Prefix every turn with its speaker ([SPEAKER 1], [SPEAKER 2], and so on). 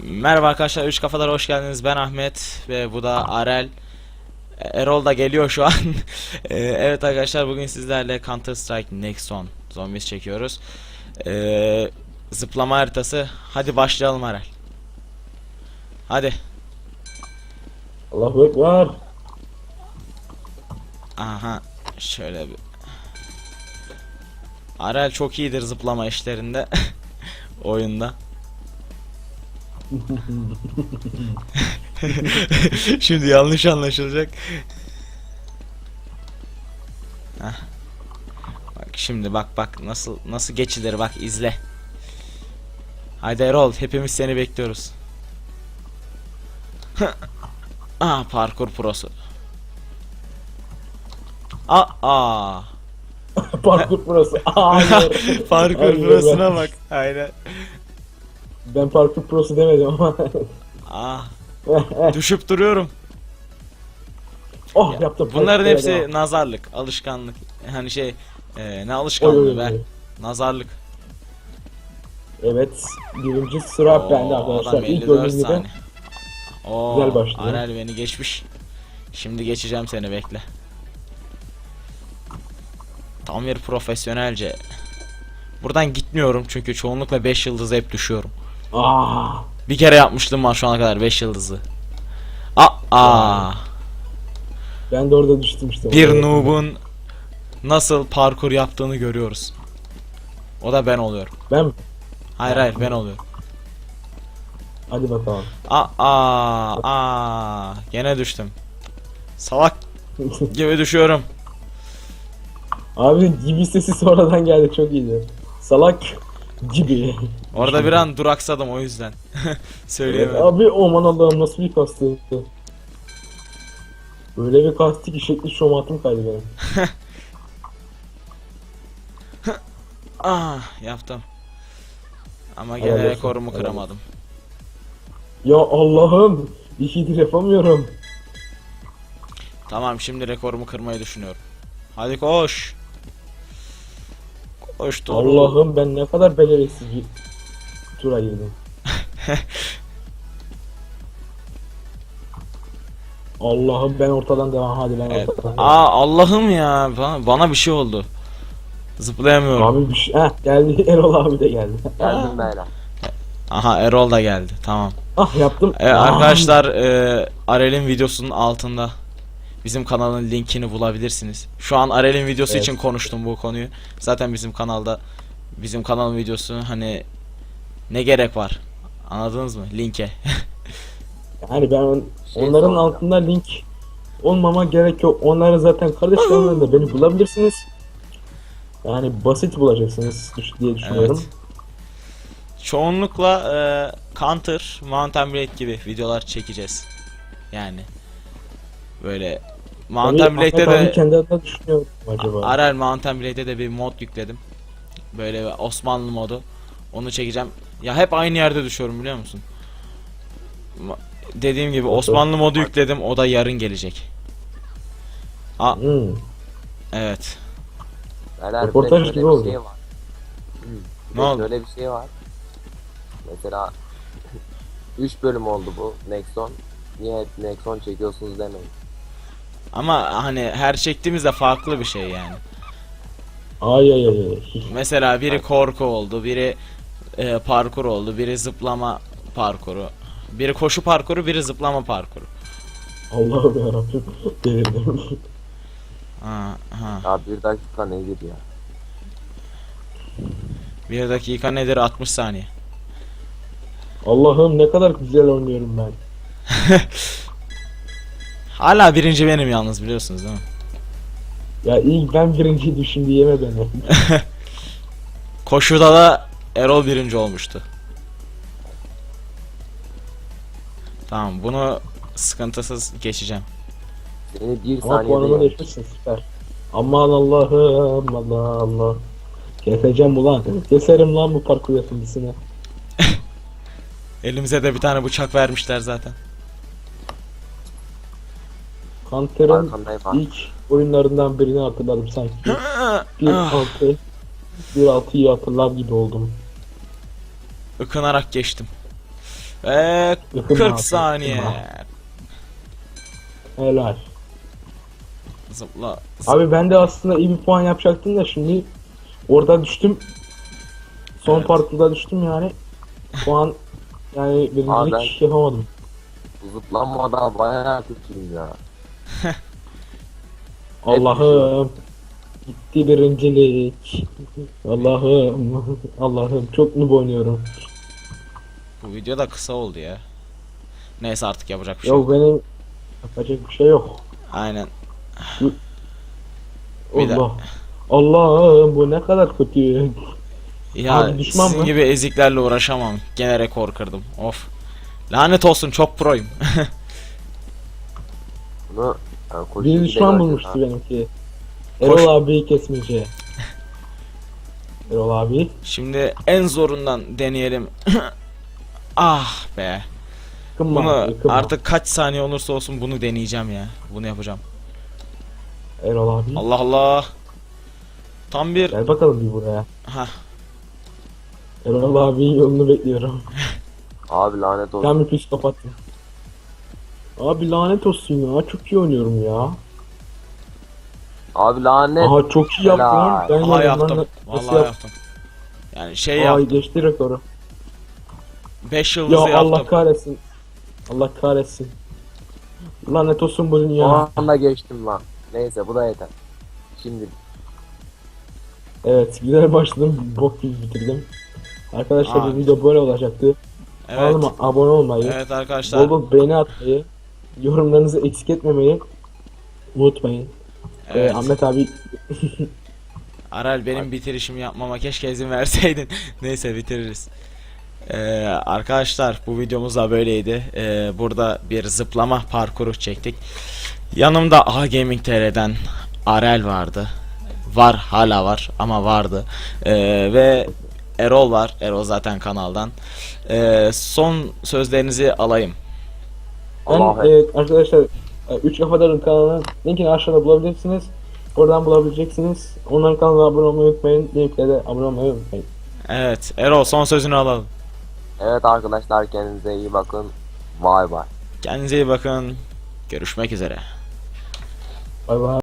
[SPEAKER 1] Merhaba arkadaşlar, Üç Kafalar hoş geldiniz. Ben Ahmet ve bu da Arel. Erol da geliyor şu an. Evet arkadaşlar, bugün sizlerle Counter Strike Nexon Zombies çekiyoruz. Zıplama haritası. Hadi başlayalım Arel. Hadi.
[SPEAKER 2] Allahu Ekber.
[SPEAKER 1] Aha. Şöyle bir. Arel çok iyidir zıplama işlerinde. Oyunda. Şimdi yanlış anlaşılacak. Heh. Bak şimdi bak nasıl geçilir, bak izle. Haydi Erol, hepimiz seni bekliyoruz. Parkur prosu.
[SPEAKER 2] Parkur burası. Hayır.
[SPEAKER 1] Parkur
[SPEAKER 2] Hayır,
[SPEAKER 1] prosuna
[SPEAKER 2] ben-
[SPEAKER 1] bak. Aynen.
[SPEAKER 2] Ben parkur prosu demedim ama.
[SPEAKER 1] Ah, düşüp duruyorum.
[SPEAKER 2] Oh yaptım.
[SPEAKER 1] Bunların
[SPEAKER 2] Evet,
[SPEAKER 1] hepsi
[SPEAKER 2] evet.
[SPEAKER 1] nazarlık, alışkanlık. Hani ne
[SPEAKER 2] Oy,
[SPEAKER 1] alışkanlığı
[SPEAKER 2] oy,
[SPEAKER 1] be?
[SPEAKER 2] oy.
[SPEAKER 1] Nazarlık.
[SPEAKER 2] Evet. Birinci sıra bende arkadaşlar.
[SPEAKER 1] Adam
[SPEAKER 2] İlk
[SPEAKER 1] 54
[SPEAKER 2] gördüğüm gibi.
[SPEAKER 1] saniye.
[SPEAKER 2] Güzel başlıyor.
[SPEAKER 1] Arel beni geçmiş. Şimdi geçeceğim seni, bekle. Tam bir profesyonelce. Buradan gitmiyorum çünkü çoğunlukla 5 yıldızı hep düşüyorum.
[SPEAKER 2] Ah.
[SPEAKER 1] Bir kere yapmıştım var şu ana kadar 5 yıldızı.
[SPEAKER 2] Ben de orada düştüm işte.
[SPEAKER 1] Bir
[SPEAKER 2] Orada.
[SPEAKER 1] noob'un nasıl parkur yaptığını görüyoruz. O da ben oluyorum.
[SPEAKER 2] Ben.
[SPEAKER 1] Hayır ben oluyorum.
[SPEAKER 2] Hadi bakalım.
[SPEAKER 1] Gene düştüm. Salak gibi düşüyorum.
[SPEAKER 2] Abi gibi sesi sonradan geldi, çok iyiydi. Salak gibi.
[SPEAKER 1] Orada bir an duraksadım, o yüzden. Söyleyemedim.
[SPEAKER 2] Abi aman Allah'ım, nasıl bir kastı. Böyle bir kastı ki şekli şomatım kaydı benim.
[SPEAKER 1] Yaptım. Ama
[SPEAKER 2] Helal
[SPEAKER 1] gene
[SPEAKER 2] olsun,
[SPEAKER 1] rekorumu
[SPEAKER 2] helal
[SPEAKER 1] kıramadım.
[SPEAKER 2] Ya Allah'ım, ikidir yapamıyorum.
[SPEAKER 1] Tamam, şimdi rekorumu kırmayı düşünüyorum. Hadi koş. Koş dur.
[SPEAKER 2] Allah'ım, ben ne kadar beceriksiz bir tura girdim. Allah'ım, ben ortadan devam, hadi ben
[SPEAKER 1] Evet.
[SPEAKER 2] ortadan devam.
[SPEAKER 1] Allah'ım ya, bana bir şey oldu. Zıplayamıyorum.
[SPEAKER 2] Abi bir şey, geldi, Erol abi de geldi.
[SPEAKER 3] Geldim beyler.
[SPEAKER 1] Aha, Erol da geldi. Tamam.
[SPEAKER 2] Yaptım.
[SPEAKER 1] Arkadaşlar, Arel'in videosunun altında bizim kanalın linkini bulabilirsiniz. Şu an Arel'in videosu
[SPEAKER 2] Evet.
[SPEAKER 1] için konuştum bu konuyu. Zaten bizim kanalın videosu, hani ne gerek var? Anladınız mı? Linke.
[SPEAKER 2] Yani ben
[SPEAKER 3] Şey
[SPEAKER 2] onların
[SPEAKER 3] soracağım.
[SPEAKER 2] altında link olmama gerek yok. Onları zaten kardeş kanallarında beni bulabilirsiniz. Yani basit bulacaksınız diye düşünüyorum.
[SPEAKER 1] Evet. Çoğunlukla Counter, Mountain Blade gibi videolar çekeceğiz. Yani böyle Mountain
[SPEAKER 2] Tabii
[SPEAKER 1] Blade'de
[SPEAKER 2] Ahmet abi
[SPEAKER 1] de
[SPEAKER 2] kendi adına düşünüyorum acaba.
[SPEAKER 1] Arel Mountain Blade'de de bir mod yükledim. Böyle bir Osmanlı modu. Onu çekeceğim. Ya hep aynı yerde düşüyorum, biliyor musun? Dediğim gibi Osmanlı modu yükledim. O da yarın gelecek.
[SPEAKER 2] Hmm.
[SPEAKER 1] Evet.
[SPEAKER 3] Beyler, bir de
[SPEAKER 2] Röportaj
[SPEAKER 3] şöyle
[SPEAKER 2] gibi
[SPEAKER 3] bir
[SPEAKER 2] oldu.
[SPEAKER 3] şey var. Bir
[SPEAKER 1] Ne
[SPEAKER 3] de
[SPEAKER 1] oldu?
[SPEAKER 3] şöyle bir şey var. Mesela 3 bölüm oldu bu Nexon. Niye hep Nexon çekiyorsunuz demeyin.
[SPEAKER 1] Ama hani her çektiğimizde farklı bir şey yani.
[SPEAKER 2] Ay.
[SPEAKER 1] Mesela biri korku oldu, biri parkur oldu, biri zıplama parkuru. Biri koşu parkuru, biri zıplama parkuru.
[SPEAKER 2] Allah'ım yarabbim. Delirdim.
[SPEAKER 1] Ha.
[SPEAKER 3] Ya bir dakika nedir ya?
[SPEAKER 1] 1 dakika nedir? 60 saniye.
[SPEAKER 2] Allah'ım, ne kadar güzel oynuyorum ben.
[SPEAKER 1] Hala birinci benim yalnız, biliyorsunuz değil mi?
[SPEAKER 2] Ya ilk ben birinci düşün diyeme beni.
[SPEAKER 1] Koşuda da Erol birinci olmuştu. Tamam, bunu sıkıntısız geçeceğim.
[SPEAKER 3] Seni bir
[SPEAKER 2] Ama
[SPEAKER 3] saniyede
[SPEAKER 2] puanımı
[SPEAKER 3] yendim.
[SPEAKER 2] değiştirsin, süper. Aman Allah'ım, Allah. Keseceğim ulan. Keserim lan bu parkur yapımcısını.
[SPEAKER 1] Elimize de bir tane bıçak vermişler zaten.
[SPEAKER 2] Counter'ın
[SPEAKER 3] Arkandayım abi.
[SPEAKER 2] ilk oyunlarından birini hatırladım sanki. 1.6'yı hatırlar gibi oldum.
[SPEAKER 1] Ikınarak geçtim. Ve
[SPEAKER 2] Yakın
[SPEAKER 1] 40
[SPEAKER 2] abi,
[SPEAKER 1] saniye.
[SPEAKER 2] yakın abi. Helal.
[SPEAKER 1] Zıpla.
[SPEAKER 2] Abi ben de aslında iyi bir puan yapacaktım da şimdi orada düştüm. Son
[SPEAKER 1] Evet.
[SPEAKER 2] parkurda düştüm yani. Puan yani
[SPEAKER 3] Abi
[SPEAKER 2] birincilik yapamadım.
[SPEAKER 3] Bu zıplanmada bayağı kötüyüm ya.
[SPEAKER 2] Allah'ım. Gitti birincilik. Allah'ım. Allah'ım çok mu oynuyorum?
[SPEAKER 1] Bu video da kısa oldu ya. Neyse artık yapacak bir şey yok.
[SPEAKER 2] Ya benim yapacak bir şey yok.
[SPEAKER 1] Aynen. Bir de-
[SPEAKER 2] Allah. Allah'ım bu ne kadar kötü.
[SPEAKER 1] Ya
[SPEAKER 2] Abi düşman
[SPEAKER 1] sizin
[SPEAKER 2] mı?
[SPEAKER 1] gibi eziklerle uğraşamam. Gene rekor kırdım. Of. Lanet olsun, çok proyum.
[SPEAKER 3] Bunu yani koşu
[SPEAKER 2] Bir
[SPEAKER 3] gibi
[SPEAKER 2] düşman
[SPEAKER 3] de
[SPEAKER 2] bulmuştu
[SPEAKER 3] göreceğiz
[SPEAKER 2] benimki.
[SPEAKER 1] Koş.
[SPEAKER 2] Erol abiyi kesmeyeceği. Erol abi.
[SPEAKER 1] Şimdi en zorundan deneyelim. Ah be.
[SPEAKER 2] Kımma
[SPEAKER 1] Bunu
[SPEAKER 2] abi, kımma.
[SPEAKER 1] artık kaç saniye olursa olsun bunu deneyeceğim ya. Bunu yapacağım.
[SPEAKER 2] Erol abi.
[SPEAKER 1] Allah Allah. Tam bir
[SPEAKER 2] Gel bakalım bir buraya.
[SPEAKER 1] ha.
[SPEAKER 2] Erol abinin yolunu bekliyorum.
[SPEAKER 3] ha. Abi lanet olsun.
[SPEAKER 2] Tam bir psikopat. Abi lanet olsun ya. Çok iyi oynuyorum ya.
[SPEAKER 3] Abi lanet.
[SPEAKER 2] Aha çok iyi yaptım.
[SPEAKER 3] Helal.
[SPEAKER 2] Ben
[SPEAKER 1] Aha
[SPEAKER 2] yedim lan.
[SPEAKER 1] yaptım.
[SPEAKER 2] Nasıl
[SPEAKER 1] Vallahi
[SPEAKER 2] yap-
[SPEAKER 1] yaptım. Yani şey
[SPEAKER 2] Ay
[SPEAKER 1] yaptım.
[SPEAKER 2] geçti rekoru.
[SPEAKER 1] 5
[SPEAKER 2] Ya
[SPEAKER 1] yıldızı
[SPEAKER 2] Allah
[SPEAKER 1] yaptım.
[SPEAKER 2] kahretsin. Allah kahretsin. Lanet olsun bu
[SPEAKER 3] O
[SPEAKER 2] dünya.
[SPEAKER 3] anda geçtim lan. Neyse bu da yeter. Şimdi
[SPEAKER 2] Evet güzel başladım. Bok gibi bitirdim. Arkadaşlar
[SPEAKER 1] Aa.
[SPEAKER 2] bu video böyle olacaktı.
[SPEAKER 1] Evet.
[SPEAKER 2] Kanalıma abone olmayı,
[SPEAKER 1] Evet
[SPEAKER 2] bol
[SPEAKER 1] arkadaşlar.
[SPEAKER 2] bol beğeni atmayı, yorumlarınızı eksik etmemeyi unutmayın.
[SPEAKER 1] Evet.
[SPEAKER 2] Ahmet abi
[SPEAKER 1] Aral benim bitirişimi yapmama keşke izin verseydin. Neyse bitiririz. Arkadaşlar bu videomuz da böyleydi. Burada bir zıplama parkuru çektik. Yanımda A Gaming TR'den Arel vardı. Var, hala var ama vardı. Ve Erol var. Erol zaten kanaldan. Son sözlerinizi alayım.
[SPEAKER 2] ben
[SPEAKER 3] Allah
[SPEAKER 2] arkadaşlar 3 Kafadar'ın kanalının linkini aşağıda bulabilirsiniz. Oradan bulabileceksiniz. Onların kanalına abone olmayı unutmayın. Benimkine de abone olmayı unutmayın.
[SPEAKER 1] Evet, Erol son sözünü alalım.
[SPEAKER 3] evet arkadaşlar kendinize iyi bakın. Vay vay.
[SPEAKER 1] Kendinize iyi bakın. Görüşmek üzere.
[SPEAKER 2] Bay bay.